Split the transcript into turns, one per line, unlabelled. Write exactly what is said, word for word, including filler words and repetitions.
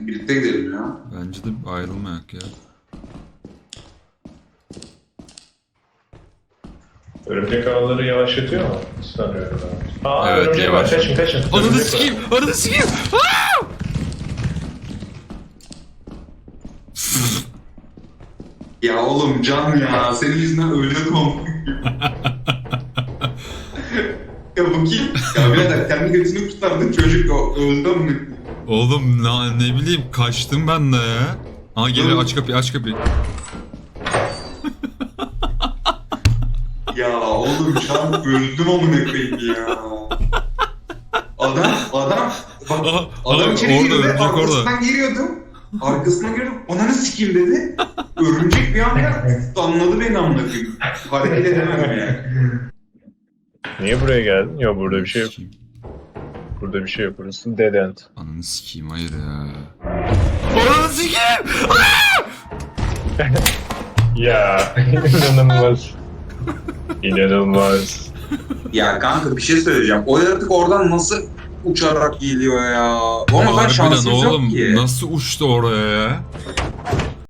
Birlikte gidelim ya.
Bence de ayrılmayak ya.
Örümcek ağları yavaşlatıyor mu? Sanıyorum abi. Aa
Evet,
örümcek var.
yavaş.
Kaçın kaçın.
Ananı
Örümcek var.
sikeyim! Ananı sikeyim!
Ya oğlum Can ya, senin yüzünden ölüyordum ama. Ya bu kim? Ya birader kendi götünü kurtardın, çocuk o- öldü mü?
Oğlum ne, ne bileyim kaçtım ben de ya. Aa geliyor, aç kapıyı, aç kapıyı.
Ya oğlum Can öldüm amına koyayım ya. Adam, adam, bak
Aha,
adam
aha,
içeri
orada,
girdi,
örümcek
arkasından giriyordum. Arkasından giriyordum, ananı sikeyim dedi. Örümcek bir anda anladı beni amına koyayım. Hareket edemem yani.
Niye buraya geldin? Yok burada bir şey yok.
Sikeyim.
Burada bir şey yok. Burası dead end.
Ananı sikeyim, hayır ya. Ananı sikeyim!
Ya inanılmaz. İnanılmaz.
Ya kanka bir şey söyleyeceğim. O yaratık oradan nasıl uçarak geliyor ya? Ama ben
Harbiden
şansım yok
oğlum
ki.
nasıl uçtu oraya ya?